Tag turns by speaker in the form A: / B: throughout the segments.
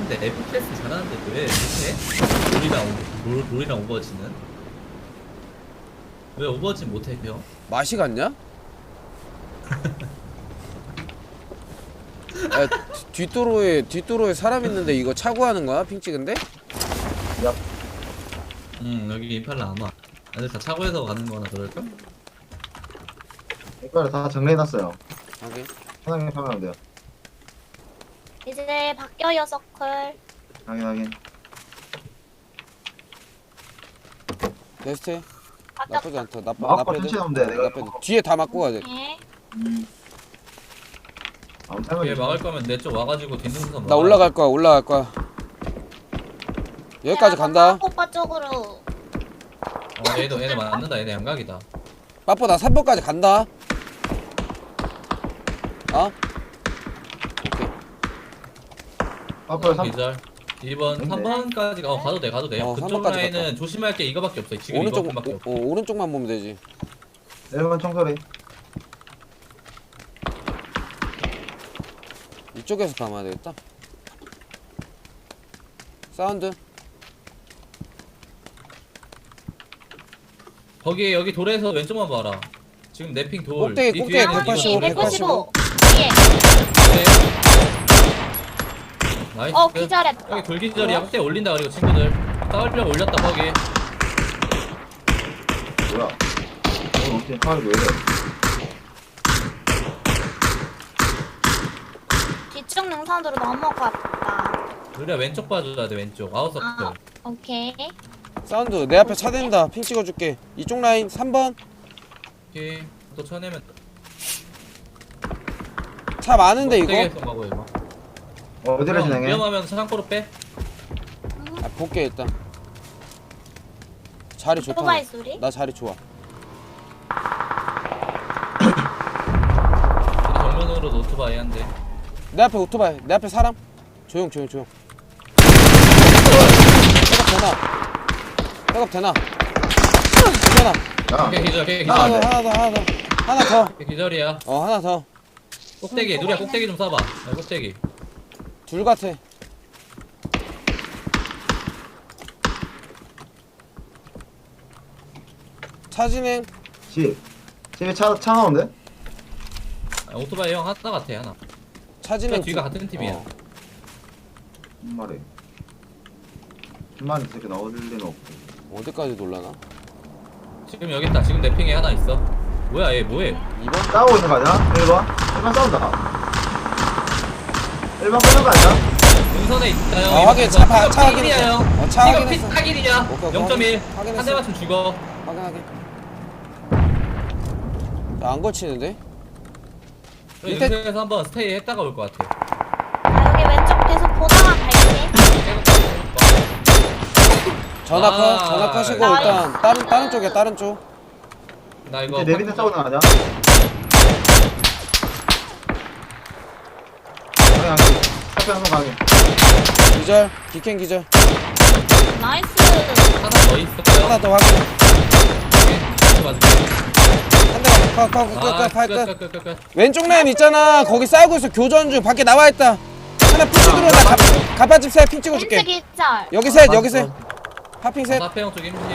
A: 잘하는데 FPS 잘하는데 왜 못해? 롤이랑 오버워치는 왜 오버워치 못해 형?
B: 맛이 갔냐? 야, 뒷도로에 사람 있는데 이거 차고 하는 거야? 핑 찍은데?
C: 야,
A: 여기 임팔라 안 와. 애들 다 차고에서 가는 거나 그럴까?
C: 이거를 다 정리해놨어요.
B: 하긴.
C: 편하게 하면 돼요.
D: 이제 바뀌어요 서클.
C: 확인.
B: 베스트 나쁘지
D: 바뀌었다.
B: 않다.
C: 막고 천천히 하면 돼, 내가.
B: 나쁘지. 뒤에 다 막고 가야 돼.
D: 네.
C: 아무
A: 얘 막을 거면 내 쪽 와가지고 뒷능선
B: 나 올라갈 거야. 여기까지 간다.
D: 오빠 쪽으로.
A: 얘네 맞는다. 얘네 양각이다.
B: 빠뽀 나 3번까지 간다. 어? 오케이.
C: 앞으로 3.
A: 기절 2번
C: 근데?
A: 3번까지 가도 돼 그쪽
B: 3번까지
A: 라인은
B: 갔다.
A: 조심할 게 이거밖에 없어. 지금
B: 오른쪽
A: 이거밖에 없어.
B: 오른쪽만 보면 되지.
C: 1번 총소리.
B: 이쪽에서 감아야 되겠다. 사운드.
A: 거기 여기 돌에서 왼쪽만 봐라. 지금 내핑 돌.
B: 꼭대기,
A: 이
B: 꼭대기
A: 뒤에는 이거.
B: 185,
D: 195. 예.
A: 네. 나이스.
D: 기절했다.
A: 여기 돌기절이야. 꼭대기 올린다. 그리고 친구들 싸울려고 올렸다 거기.
C: 뭐야? 오늘 어떻게 칼이 왜 이래?
D: 뒤쪽 능선으로 넘어갔다.
A: 우리가 왼쪽 봐줘야 돼. 왼쪽 아웃서클.
D: 아, 오케이.
B: 사운드. 내 앞에 차 댄다. 핑 찍어줄게. 이쪽 라인 3번.
A: 오케이. 또 쳐내면
B: 차 많은데 이거.
A: 꼭대기에서 가고 이거.
C: 어디로
A: 형,
C: 진행해?
A: 위험하면 창고로 빼.
B: 아, 볼게 일단. 자리 좋다.
D: 오토바이 소리?
B: 나 자리 좋아.
A: 우리 정면으로 노트바이 한대.
B: 내 앞에 오토바이. 내 앞에 사람. 조용. 백업 되나? 되나?
C: 야,
A: 오케이 기절. 오케이
C: 아,
A: 기절.
C: 네.
B: 하나 더.
A: 오케이, 기절이야.
B: 하나 더.
A: 꼭대기 누리야 꼭대기 좀 쏴봐. 야, 꼭대기.
B: 둘 같아. 차 진행.
C: 집에 차 나오는데?
A: 오토바이 형 하나 같아 하나.
B: 차 진행.
A: 뒤가 같은 팀이야.
C: 한 마리. 한 마리 이렇게 나올 리는 없고.
B: 어디까지 놀라나?
A: 지금 여기 있다. 지금 내 핑에 하나 있어. 뭐야 얘 뭐해?
B: 2번?
C: 싸우고 있는 거 아니야? 1번? 1번 싸운다. 1번 끊는 거 아니야?
A: 능선에 있다 형.
B: 아, 확인. 차 확인했어.
A: 야 형.
B: 어, 차
A: 이거
B: 확인했어.
A: 피 타길이냐?
B: 오케이,
A: 0.1.
B: 확인했어.
A: 한 대 맞추면 죽어.
B: 확인하게. 안 거치는데?
A: 여기
B: 밑에-
A: 능선에서 한번 스테이 했다가 올 것 같아.
D: 나 여기 왼쪽 계속 보다가 갈게.
B: 전화 컷이고
D: 아.
B: 일단 다른 쪽이야. 다른 쪽.
A: 나 이거
C: 이제 내 밑에 싸우는 거 아니야? 가게. 앞에 한번 가게.
B: 기절. 기캔 기절.
D: 나이스.
A: 하나 더 있었어요.
B: 하나 더 확인. 한 대가 끝. 왼쪽 라인 있잖아. 거기 싸우고 있어. 교전 중. 밖에 나와 있다. 하나 푸시 들어온다. 가파집 셋 핑 찍어줄게.
D: 왼쪽 기절.
B: 여기 셋, 여기 셋. 파핑 셋.
A: 사페형 쪽 힘심.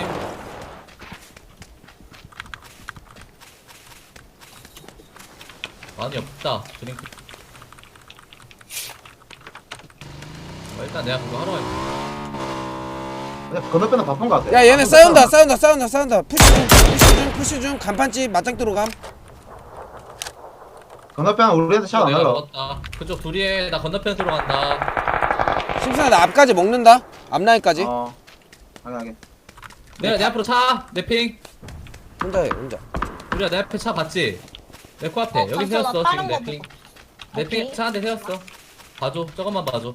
A: 많이 없다. 드링크. 일단 내가 그거 하러 갈게.
C: 근데 건너편은 바쁜 거 같아.
B: 야 얘네 싸운다. 푸시 중. 간판집 맞짱 들어감.
C: 건너편 우리한테 샷안
A: 내가
C: 날라.
A: 먹었다. 그쪽 둘이에 나 건너편 들어간다.
B: 심슨아 나 앞까지 먹는다. 앞라인까지.
C: 하게.
A: 내 앞으로 차. 내 핑.
B: 혼자 해 혼자.
A: 우리야 내 앞에 차 봤지? 내 코앞에 여기
D: 잠시만,
A: 세웠어
D: 나
A: 지금
D: 다른
A: 내
D: 거
A: 핑.
D: 보고.
A: 내 핑
D: 오케이.
A: 차 한 대 세웠어. 봐줘. 저것만 봐줘.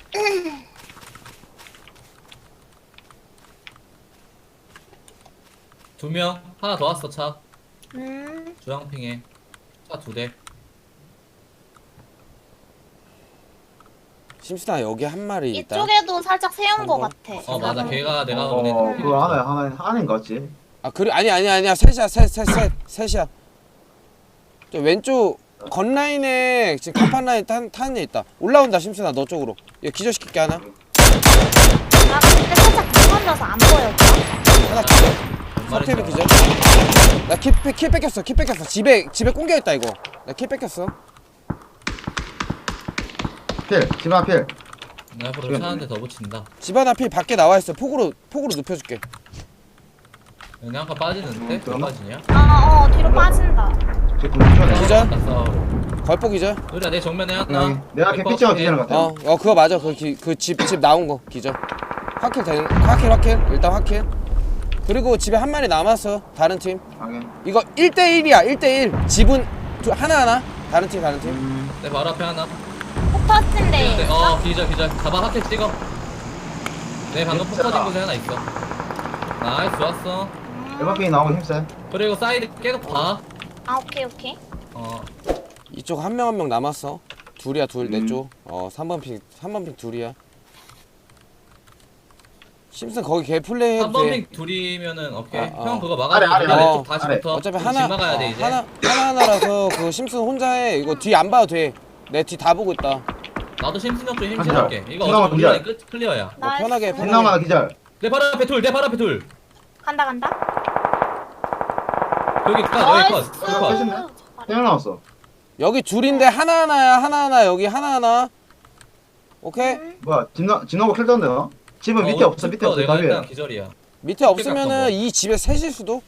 A: 두 명. 하나 더 왔어 차. 주황핑에 차 두 대.
B: 심슨아 여기 한 마리 있다.
D: 이쪽에도 살짝 세운 거 같아.
A: 어 맞아 걔가 내가 보낸
C: 그거 하나인 거 같지?
B: 아 그래 아니야 셋이야 셋이야. 저 왼쪽 건라인에 지금 간판 라인 타는 애 있다. 올라온다 심순아 너 쪽으로. 얘 기절시킬게 하나.
D: 나 근데 살짝 무건져서 안 보여.
B: 하나 기절. 석태비 기절. 나 킬 뺏겼어. 집에 꽁겨있다 이거. 나 킬 뺏겼어.
C: 필. 집안 필.
A: 나 앞으로 차 한 대 더 붙인다.
B: 집 하나 필 밖에 나와있어. 폭으로 눕혀줄게.
A: 여기 한칸 빠지는데? 왜
C: 그러나?
A: 빠지냐?
D: 뒤로 빠진다.
C: 제 군주네.
B: 기절?
A: 싸우러.
B: 걸폭 기절.
A: 의리야 내 정면에 하나.
C: 내가 걔 피치가 뒤지는 것 같아.
B: 그거 맞아. 그 집 나온 거 기절. 확킬. 일단 확킬. 그리고 집에 한 마리 남았어. 다른 팀.
C: 확인.
B: 이거 1대1이야. 1대1. 집은 하나. 다른 팀.
A: 내 바로 앞에 하나.
D: 폭 터진데.
A: 기절. 잡아 하켓 찍어. 내 방금 폭
C: 진짜.
A: 터진 곳에 하나 있어. 나이스 좋았어.
C: 일반핑이 나오면 힘세.
A: 그리고 사이드 계속 봐.
D: 오케이.
B: 이쪽 한 명 남았어. 둘이야. 내
C: 음.
B: 쪽. 3번 핑 둘이야. 심슨 거기 걔 플레이 해도 돼.
A: 3번핑 둘이면은 오케이.
B: 아,
A: 형 그거
C: 아래,
A: 막아주고
C: 아래.
A: 왼쪽 다시
C: 아래.
A: 붙어.
B: 어차피
A: 우리
B: 하나
A: 집 막아야 돼 이제.
B: 하나라서 그 심슨 혼자 해. 이거 뒤 안 봐도 돼. 내 뒤 다 보고 있다.
A: 나도 심신형 좀
C: 한
A: 힘실할게. 이거
C: 하나만
A: 어차피 우리
C: 기절.
A: 클리어야.
B: 편하게.
C: 생나마 기절.
A: 내 바로 앞에 둘.
D: 간다.
A: 여기 컷.
D: 나이스.
C: 컷이네. 생각 나왔어.
B: 여기 둘인데 하나 여기 하나. 오케이?
C: 뭐야 진나고 킬 떴는데 너? 집은 밑에 없어. 밑에 없어.
A: 내가
C: 답이야.
A: 일단 기절이야.
B: 밑에 없으면은 이 집에 셋일 수도.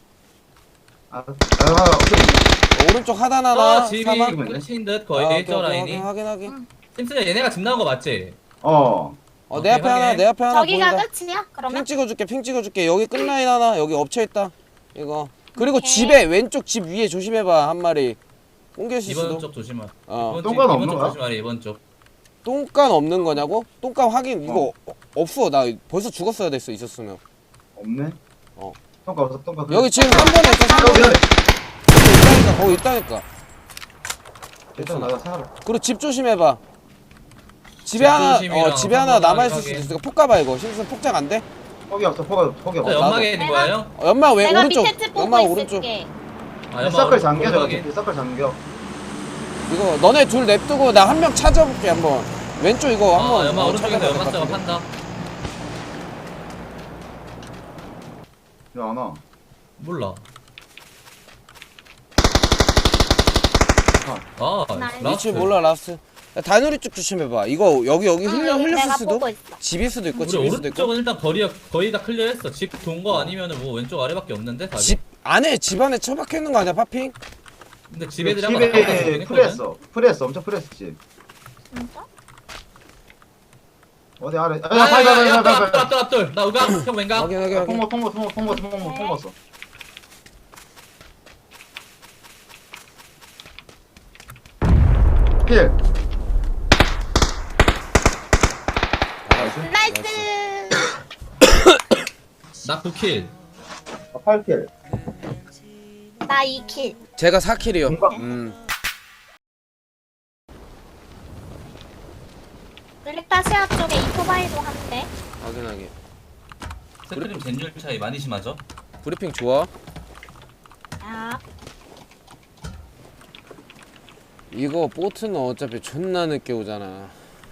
B: 오른쪽 하나
A: 집이
B: 사망.
A: 끝인 듯 거의 저 라인이.
B: 확인.
A: 심슨야 얘네가 집 나온 거 맞지?
B: 내 앞에 하나
D: 저기가
B: 보인다.
D: 끝이야? 그러면?
B: 핑 찍어줄게. 여기 끝라인 하나. 여기 엎쳐 있다. 이거. 그리고
D: 오케이.
B: 집에 왼쪽 집 위에 조심해봐. 한 마리. 옮길
A: 이번
B: 수도.
A: 쪽 조심하.
C: 똥간
A: 이번
C: 없는
A: 쪽
C: 거야?
A: 조심하래 이번 쪽.
B: 똥간 없는 거냐고? 똥간 확인. 이거 없어. 나 벌써 죽었어야 됐어. 있었으면.
C: 없네.
B: 어.
C: 똥가 없어. 똥가.
B: 여기 지금 3번에 있어. 3번에. 거기 있다니까.
C: 일단 나가 살아.
B: 그리고 집 조심해봐. 집에
A: 집
B: 하나
A: 조심이랑
B: 집에 하나
A: 상관하게
B: 남아 있을 수도
A: 하게.
B: 있어. 폭 가봐 이거. 심슨 폭장 안 돼?
C: 폭이 없어. 폭이
A: 저
C: 없어.
A: 연막에 있는 거야 형?
B: 연막 왜
D: 내가
B: 오른쪽.
D: 밑에 집 보고
B: 연막 오른쪽.
D: 있을게.
C: 서클 잠겨 저거.
A: 오른쪽에.
C: 서클 잠겨.
B: 이거 너네 둘 냅두고 나 한 명 찾아볼게 한번. 왼쪽 이거 한번.
A: 연막 오른쪽에서
B: 찾아봐야
A: 연막
B: 될것
A: 작업
B: 같은데.
A: 한다.
C: 야 나.
A: 몰라.
D: 나이스.
B: 위치 몰라 라스. 야, 다누리 쪽 조심해봐. 이거 여기 흘렸을
D: 내가
B: 수도.
D: 보고 있어.
B: 집일 수도 있고
A: 우리
B: 집일 수도 있고.
A: 오른쪽은 일단 거의 다 클리어했어. 집 돈 거 아니면은 뭐 왼쪽 아래밖에 없는데 답이.
B: 집 안에 처박혀 있는 거 아니야 파핑?
A: 근데 집 애들이 한번
C: 집에
A: 나가서 보긴 했거든.
C: 프레했어. 엄청 프레했어 집.
D: 진짜?
C: 어디 아래.
A: 야야야 앞돌. 나 우각 형 왼각.
B: 확인.
C: 통과했어. 필.
D: 나이스.
A: 나 9킬.
C: 8킬.
D: 나 2킬.
B: 제가 4킬이요.
C: 뭔가-
D: 블랙다시아 쪽에 이토바이도 한대.
B: 확인하게.
A: 세트림 젠율 차이 많이 심하죠?
B: 브리핑 좋아.
D: 아,
B: 이거 보트는 어차피 존나 늦게 오잖아.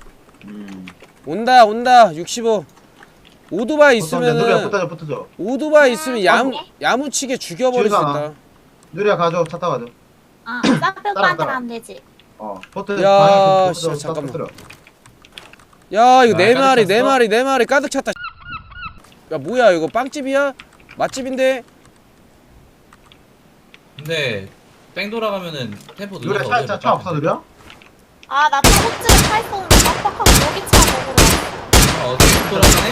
B: 온다 65. 오토바이
C: 누리야
B: 있으면은
C: 붙어줘.
B: 오토바이 있으면 야무치게 죽여버릴 수
C: 줄이
B: 있다.
C: 누리야 가져. 차 타고 가져.
D: 사표 오빠한테 가면 되지.
C: 포트.
B: 야, 씨, 잠깐만. 야 이거
A: 깔짝
B: 네 마리 가득 찼다. 야 뭐야 이거 빵집이야? 맛집인데?
A: 근데 뺑 돌아가면은 템포
C: 누리야
A: 눌러서
C: 차 없어 누리야?
D: 아, 나 차고치를 타 있었는데 빡빡하고 여기 차 먹으러.
A: 어떻게 돌아가네?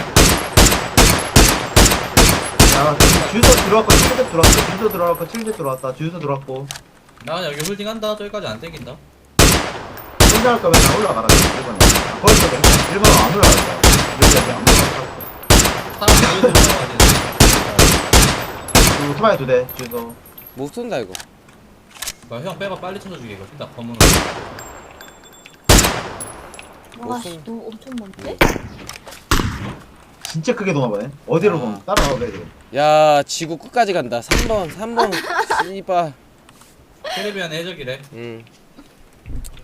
C: 야 주유소 들어왔고 7대 들어왔어. 주유소 들어왔고 7대 들어왔다. 주유소 들어왔고.
A: 나 여기 홀딩한다. 저기까지 안 땡긴다.
C: 혼자 할 거면 나 올라가라. 1번에. 거기서 1번은 안 올라갈 거야. 여기 안 올라갈
A: 사람 여기서 올라가야 돼.
C: 거야. 오토바이 2대 주유소.
B: 못 쏜다 이거.
A: 형 빼봐 빨리 쳐줘주게 이거. 일단 검은.
D: 와, 씨, 너 엄청 먼데?
C: 진짜 크게 도나보네. 어디로 보면 따라와 그래 지금.
B: 야 지구 끝까지 간다. 3번 씨발.
A: 캐리비안 해적이래.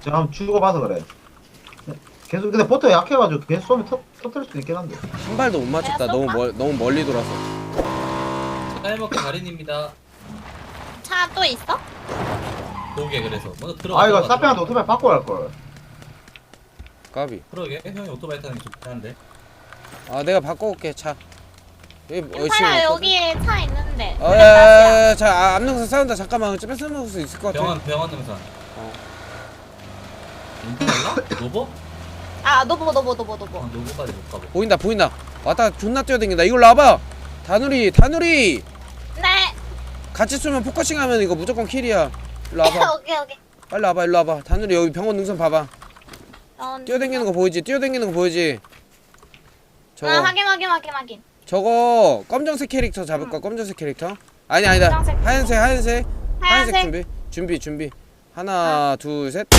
C: 제가 한번 주고봐서 그래. 계속 근데 포터 약해가지고 계속 쏘면 터뜨릴 수도 있긴 한데.
B: 한 발도 못 맞췄다. 너무 멀리 돌아서.
A: 쌀먹기 달인입니다.
D: 차 또 있어?
A: 보게 그래서 먼저 들어가.
C: 아 이거
A: 들어가,
C: 사페한테 오토바이 바꿔 갈 걸.
B: 까비.
A: 그러게 형이 오토바이 타는 게 좋긴 한데.
B: 아 내가 바꿔올게 차. 여기
D: 윤파야 여기에 차 있는데.
B: 어야 자 앞능선 싸운다. 잠깐만 뺏어 먹을 수 있을 것 같아.
A: 병원 능선.
B: 어.
A: 인터넷라? 노보?
D: 아 노보.
A: 노보까지 못 가보.
B: 보인다. 왔다 존나 뛰어댕긴다. 이걸로 와봐. 다누리
D: 네.
B: 같이 쏘면 포커싱하면 이거 무조건 킬이야. 일로 와봐.
D: 오케이.
B: 빨리 와봐. 일로 와봐. 다누리 여기 병원 능선 봐봐. 뛰어댕기는 거 보이지? 저거
D: 아 확인.
B: 저거 검정색 캐릭터 잡을까? 검정색 캐릭터? 아니다.
D: 검정색.
B: 하얀색
D: 하얀색.
B: 준비. 하나, 둘, 셋.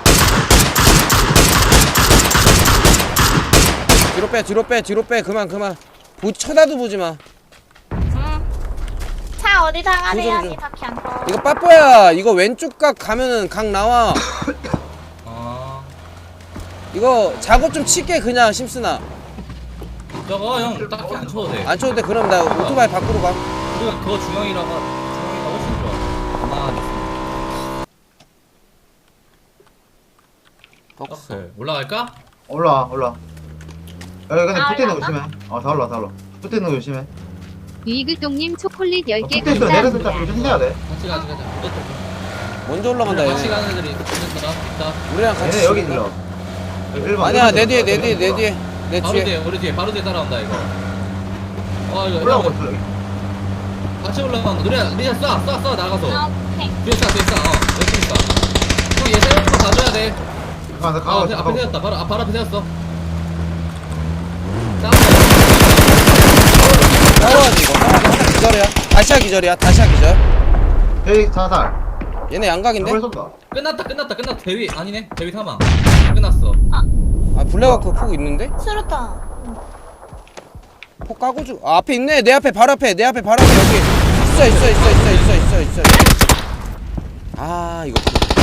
B: 뒤로 빼. 그만. 쳐다도 보지 마.
D: 차 어디 당하래요?
B: 조정.
D: 딱히 안 써.
B: 이거 빠뽀야. 이거 왼쪽 각 가면은 각 나와.
A: 아
B: 이거 작업 좀 칠게 그냥 심스나.
A: 저거 형 딱히 안 쳐도 돼.
B: 안 쳐도 돼. 그럼 나 오토바이 밖으로 가.
A: 우리가 그거 중형이가 훨씬 좋아. 가만히 있으면. 오케이. 올라갈까?
C: 올라. 여기 근데
D: 아,
C: 붙어있는 거
D: 올라왔나?
C: 조심해. 다 올라. 붙어있는 거 조심해.
E: 유이글동님 초콜릿 10개
C: 붙어있어 내려서 딱
E: 감사합니다.
C: 조심해야 돼.
A: 같이 가자.
B: 먼저 올라간다
A: 같이
B: 얘네.
A: 가는 애들이 있는 사람 있다.
B: 우리랑 같이
C: 얘네 여기
B: 있을까?
C: 들어. 1번.
B: 아니야 내 뒤에 내
A: 바로
B: 뒤에.
A: 뒤에 우리 뒤에 바로 뒤에 따라온다 이거. 이거
C: 올라오고
A: 형
C: 있어 여기.
A: 같이 올라간다. 리아 쏴 나가서.
D: 아, 오케이.
A: 뒤에 쏴. 여기 있다. 형얘 세우는 거 봐줘야 돼.
C: 나 가고
A: 앞에
C: 있어.
A: 세웠다. 바로 앞에 세웠어.
B: 싸워야지 이거. 하나 기절이야. 다시야 기절.
C: 여기 자살.
B: 얘네 양각인데?
C: 저걸 쏜다.
A: 끝났다. 대위 아니네. 대위 사망. 끝났어.
B: 아 블랙워크 폭 있는데?
D: 수류탄.
B: 폭 까고 주. 아 앞에 있네. 내 앞에 바로 앞에 여기. 있어. 아 이거.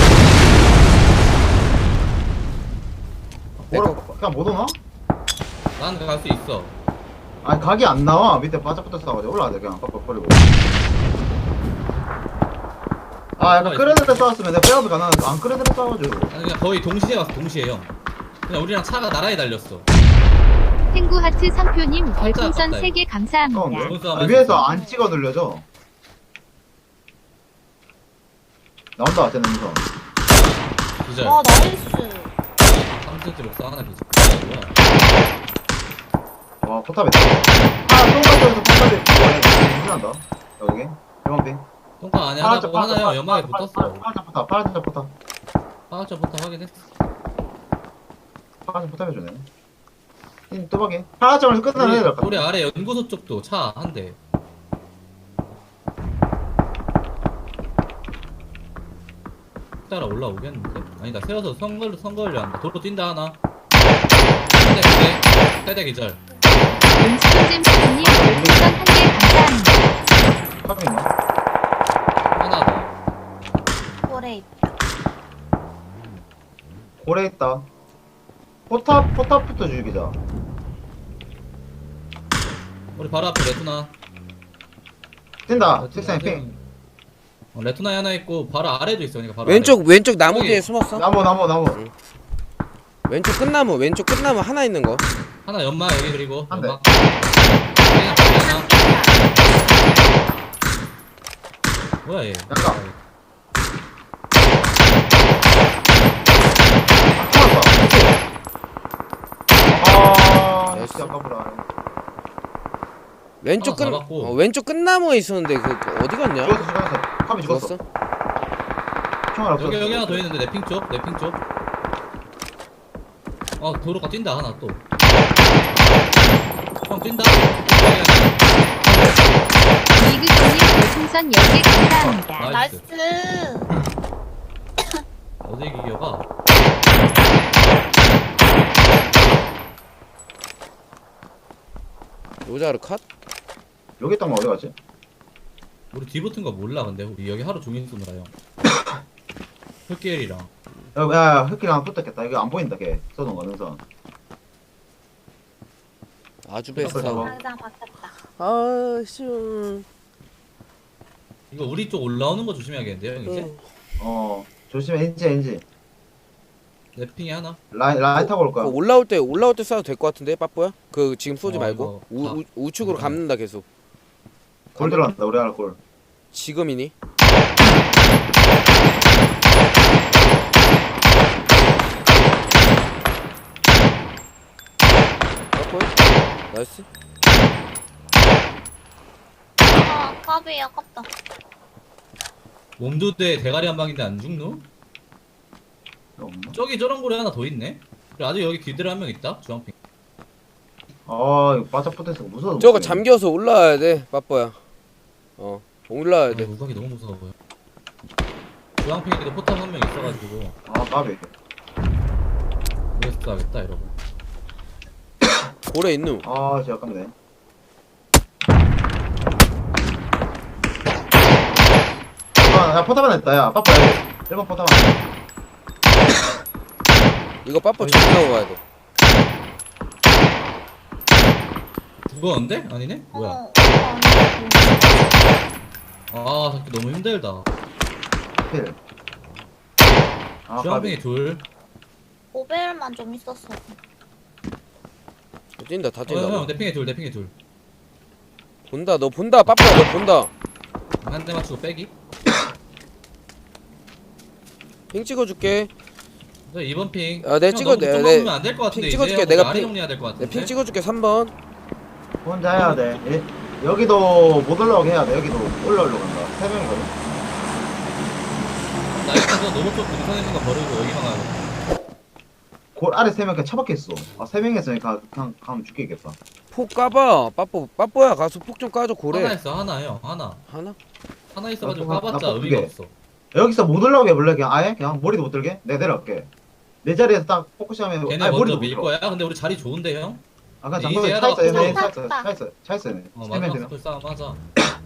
C: 그냥 못 오나?
A: 난 갈 수 있어.
C: 아니 각이 안 나와. 밑에 바짝부터 싸가지고 올라야 돼 그냥 빡빡 버리고. 아 약간 끓여들 때 싸웠으면 내가 빼어도 가능한데 안 끓여들 때 싸워가지고.
A: 아니 그냥 거의 동시에 왔어. 동시에 형. 그냥 우리랑 차가 나란히 달렸어.
E: 탱구하트 상표님 별풍선
A: 아깝다,
E: 3개 감사합니다.
A: 무슨
C: 아,
A: 아마
C: 위에서 안 찍어 눌려져. 나온다 쟤는 우선.
A: 기절.
D: 나이스.
A: 3cm 목사 하나 기절. 뭐야?
C: 와 포탑에 똥가쪽에서 포탑에 중요한다 여기 1번빙
A: 똥강 안에 하나 보고 하나 형 연막에 붙었어.
C: 파란색 포탑
A: 파워차부터 확인했어.
C: 파란색 포탑 해주네 이 뚜벅이 파란색에서 끝나는 애들
A: 우리 아래 연구소 쪽도 차 한 대. 따라 올라오겠는데? 아니다 세워서 선거를 한다. 도로 뛴다 하나. 세대 기절.
E: 음식점 잼스님 별풍선 1개 감사합니다.
C: 탑이 있나?
A: 하나 더.
D: 고래 있다.
C: 고래 있다 포탑부터 죽이자
A: 우리 바로 앞에 레투나.
C: 뛴다 책상에 핑
A: 레투나에 하나 있고 바로 아래도 있어. 그러니까 바로
B: 왼쪽 나무
A: 여기.
B: 뒤에 숨었어.
C: 나무
B: 왼쪽 끝나무 하나 있는 거.
A: 하나 연마 여기 그리고
C: 한 대.
A: 연막. 그냥 하나. 뭐야 얘?
C: 약간. 아
B: 나이스.
C: 진짜 아까보다
B: 왼쪽
A: 하나 잡았고.
B: 왼쪽 끝나무에 있었는데 그 어디 갔냐?
C: 죽었어 탑이 죽었어
B: 죽었어?
C: 총알 없어
A: 여기 하나 더 있는데 내 핑 쪽. 도로가 뛴다 하나 또. 형 뛴다.
E: 유이글동님 별풍선 10개 감사합니다.
A: 나이스.
D: 나이스.
A: 어디 기어가?
B: 로자르 컷?
C: 여기 있던 거 어디 갔지?
A: 우리 뒤 붙은 거 몰라 근데 우리 여기 하루 종일 쏘느라 형. 흑계열이랑
C: 야, 흑기랑 붙었겠다. 이거 안 보인다, 걔. 쏘는 거, 능선.
B: 아주
C: 베스트.
B: 베스트.
D: 당장 바뀌었다.
B: 아씨.
A: 이거 우리 쪽 올라오는 거 조심해야겠는데요 형 이제?
C: 조심해, 엔지.
A: 내 핑이 하나.
C: 라인 타고 올 거야.
B: 올라올 때 쏴도 될 것 같은데 빠뽀야? 그 지금 쏘지 말고
A: 이거
B: 우측으로 감는다 계속.
C: 골 들어간다, 우리 하나 골.
B: 지금이니? 빠뽀야? 나이스.
D: 아, 까비 아깝다.
A: 몸두대 대가리 한 방인데 안 죽노?
C: 없나?
A: 저기 저런 고리 하나 더 있네. 그리고 아직 여기 귀들 한 명 있다. 주황핑.
C: 이거 바짝 붙어있어. 무서워.
B: 저거 잠겨서 올라와야 돼 빠뽀야. 올라와야
A: 아,
B: 돼.
A: 우각이 너무 무서워요. 주황핑에도 포탑 한 명 있어가지고
C: 까비.
A: 그래서 하겠다 이러고.
B: 고래 있누.
C: 진짜 아깝네. 야, 포탑 하나 있다, 야. 빠빠, 여기. 1번 포탑 하나.
B: 이거 빠뽀 정리하고 가야 돼.
A: 죽었는데? 아니네? 뭐야? 아 잡기 너무 힘들다.
C: 필.
A: 주황핑이 둘.
D: 오벨만 좀 있었어.
B: 뛴다 다 뛴다.
A: 형, 내 핑에 둘, 내 핑에 둘.
B: 본다 너 본다 빠뽀야 너 본다.
A: 한 대 맞추고 빼기.
B: 핑 찍어줄게.
A: 저 2번 핑.
B: 아, 내가 찍어, 내
A: 안될 것 같은데.
B: 핑 찍어줄게.
A: 이제
B: 내가
A: 아래
B: 핑-
A: 정리해야 될 것 같은데.
B: 내 핑 찍어줄게 3번.
C: 혼자 해야 돼. 여기도 못 올라오게 해야 돼. 여기도 올라오려고 한다. 3명이거든.
A: 나 일단 저 너무 쪽 능선 있는 거 버리고 여기만 가고.
C: 골 아래 3명 그냥 처박혀 있어. 3명이었으니까 그냥 가면 죽겠겠다.
B: 폭 까봐. 빠뽀야 가서 폭 좀 까줘 고래.
A: 하나 있어, 하나 형, 하나.
B: 하나?
A: 하나 있어가지고
C: 나
A: 까봤자
C: 나
A: 의미가
C: 개.
A: 없어.
C: 여기서 못 올라오게 해볼래? 그냥 아예? 그냥 머리도 못 들게? 내가 내려갈게. 내 자리에서 딱 포커싱하면
A: 걔네
C: 아예
A: 먼저
C: 머리도 못
A: 밀
C: 들어.
A: 거야. 근데 우리 자리 좋은데 형.
C: 아까
A: 이제
C: 잠깐만
A: 하다가
C: 차 있어. 얘네
D: 탔다.
C: 차 있어. 얘네. 3명
A: 마지막
C: 되나?
A: 스플 싸움 하자.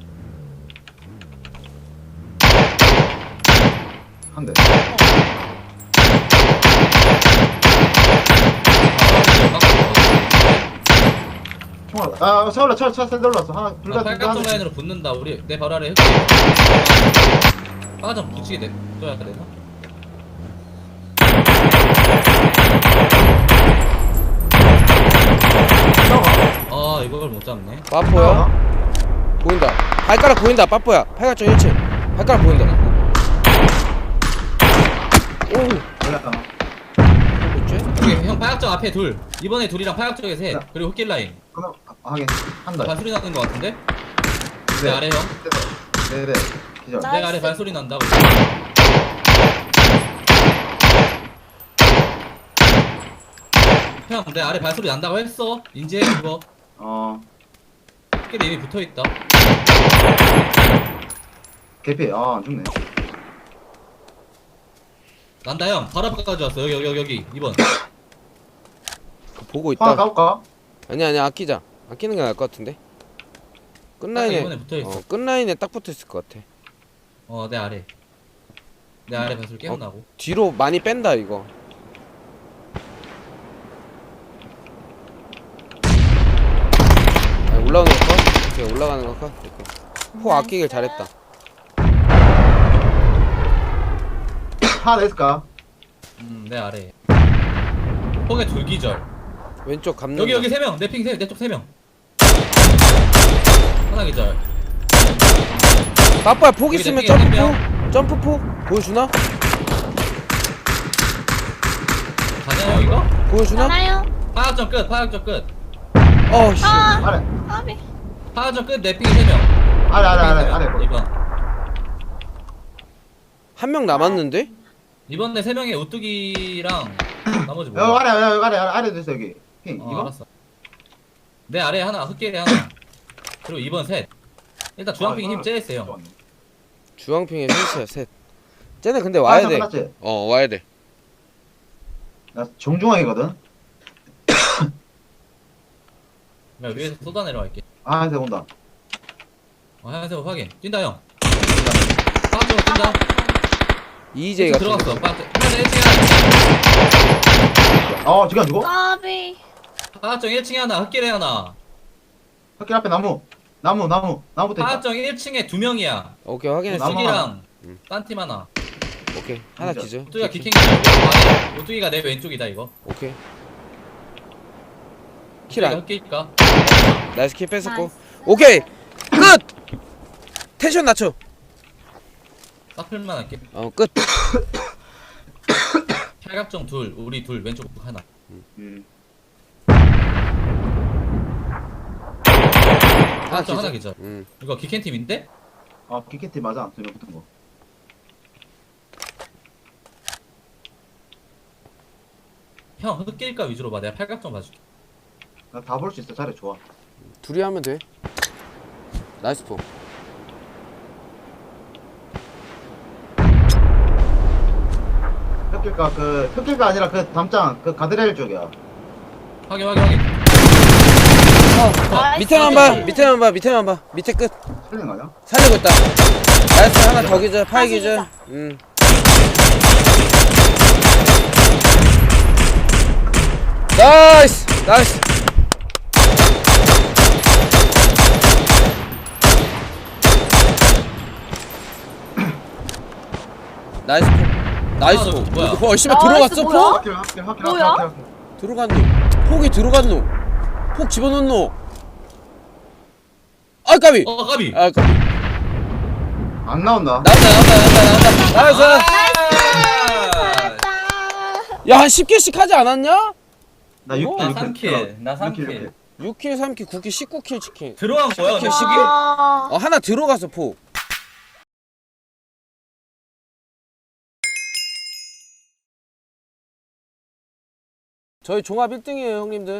C: 한 대. 총알. 세월라 차 샌들 올랐어. 하나 둘 다.
A: 팔각정 라인으로 붙는다. 우리 내 바로 아래 흙. 빠져 붙이게 냅둬야 되나? 아 이걸 못 잡네.
B: 빠뽀야 보인다. 발가락 보인다 빠뽀야. 팔각정 1층. 발가락 보인다. 오.
C: 올랐다.
B: 뭐지?
A: 여기 형 팔각정 앞에 둘. 이번에 둘이랑 팔각정에 셋.
C: 야.
A: 그리고 흑길 라인.
C: 그러면 하긴 한다.
A: 발소리 나는 거 같은데? 내 아래 형.
C: 네네. 기절.
D: 나-
A: 내
D: 나이스.
A: 아래 발소리 난다고. 형, 내 아래 발소리 난다고 했어. 인지해 그거. 흑길에 이미 붙어 있다.
C: 개피. 안 죽네.
A: 난다 형. 바로 앞까지 왔어. 여기 2번.
B: 보고
C: 하나
B: 있다.
C: 까볼까?
B: 아니야 아끼자. 아끼는 게 나을 것 같은데. 끝라인에
A: 이번에 붙어 있어.
B: 끝라인에 딱 붙어 있을 것 같아.
A: 내 아래. 내 아래 발소리 깨어나고.
B: 뒤로 많이 뺀다 이거. 올라오는 거 컷? 오케이 올라가는 거 컷? 포 아끼길 잘했다.
C: 하나 더 있을까?
A: 내 아래. 폭에 둘기절.
B: 왼쪽 감는
A: 여기 3명. 내 핑 내 쪽 3명. 하나 기절.
B: 빠빠야 폭
A: 여기
B: 있으면
A: 내 핑에
B: 점프포 보여주나?
A: 가냐 형 이거?
B: 보여주나?
D: 하나요?
A: 파악점 끝. 파악점 끝.
B: 어씨
C: 아래.
D: 까비.
A: 파악점 끝. 내 핑이 3명.
C: 아래.
A: 2번.
B: 한 명 남았는데?
A: 이번에 3명의 우뚝이랑 나머지
C: 여기
A: 뭐야?
C: 아래도 있어, 여기. 핑, 이거?
A: 알았어. 내 아래 하나, 흑길에 하나. 그리고 2번 셋. 일단 주황핑이 힘 제일 세요.
B: 주황핑에 셋이야 셋. 쟤네 근데 와야 돼.
C: 끝났지?
B: 와야 돼.
C: 나 정중앙이거든?
A: 야, 위에서 쏟아 내려갈게.
C: 하얀색 온다.
A: 하얀색 확인. 뛴다 형. 파악점 뛴다.
B: EJ 같은
A: 들어갔어.
B: 거.
A: 빠져. 하나 1층에
C: 지금 누구?
D: 까비.
A: 하나. 하정 1층에 하나. 흑길에 하나.
C: 학교 앞에 나무부터 있다.
A: 하정 1층에 2명이야.
B: 오케이 확인했어.
C: 나무.
A: 오뚜기랑 딴 팀 하나.
B: 오케이 하나
C: 진짜.
B: 기절.
A: 오뚜기가 기킹 기절. 오뚜기가 내 왼쪽이다 이거.
B: 오케이.
A: 오뚜기가
B: 킬 안.
A: 흑길까?
B: 나이스 킬 뺐었고.
D: 나이스.
B: 오케이 끝. 텐션 낮춰.
A: 사플만 할게.
B: 끝.
A: 팔각정 둘, 우리 둘, 왼쪽 하나. 팔각정 하나 기절. 이거 기켄 팀인데?
C: 키키티 맞아. 두명 붙은 거.
A: 형 흑길까 위주로 봐. 내가 팔각정 봐줄게.
C: 나 다 볼 수 있어. 자리 좋아.
B: 둘이 하면 돼. 나이스 포.
C: 흑길가 아니라 그 담장 그 가드레일 쪽이야.
A: 확인.
D: 나이스.
B: 밑에만 봐. 밑에 끝.
C: 틀린 거 아니야?
B: 살리고 있다. 나이스 하나 더 기절. 파이 기절. 나이스. 나이스 포. 나이스 포.
A: 뭐야?
B: 씨발
D: 나이스,
B: 들어갔어
D: 뭐야?
B: 포?
D: 뭐야?
B: 들어간 놈. 폭이 들어간 놈. 폭 집어넣은 놈. 아 까비.
A: 까비.
B: 아 까비.
C: 안 나온다.
B: 나온다. 나이스.
D: 잘했다.
B: 야 한 10킬씩 하지 않았냐?
C: 나
B: 어?
C: 6킬.
A: 나 3킬. 나 3킬.
B: 6킬 3킬 9킬 19킬 치킨.
A: 들어간 거야?
B: 킬,
A: 너?
B: 시계?
D: 아.
B: 하나 들어가서 포. 저희 종합 1등이에요 형님들.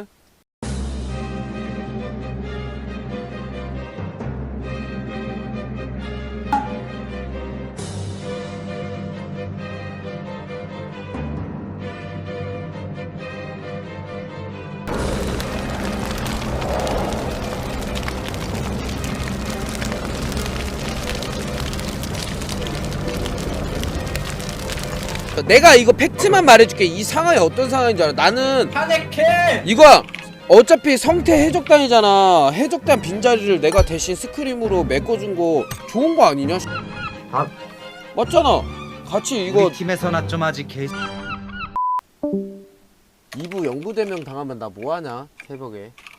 B: 내가 이거 팩트만 말해줄게. 이 상황이 어떤 상황인 줄 알아? 나는
A: 파네케.
B: 이거야. 어차피 성태 해적단이잖아. 해적단 빈자리를 내가 대신 스크림으로 메꿔준 거 좋은 거 아니냐?
C: 다
B: 맞잖아. 같이 이거
F: 우리 팀에서나 좀 아직 개
B: 2부 영구대명 당하면 나 뭐하냐 새벽에.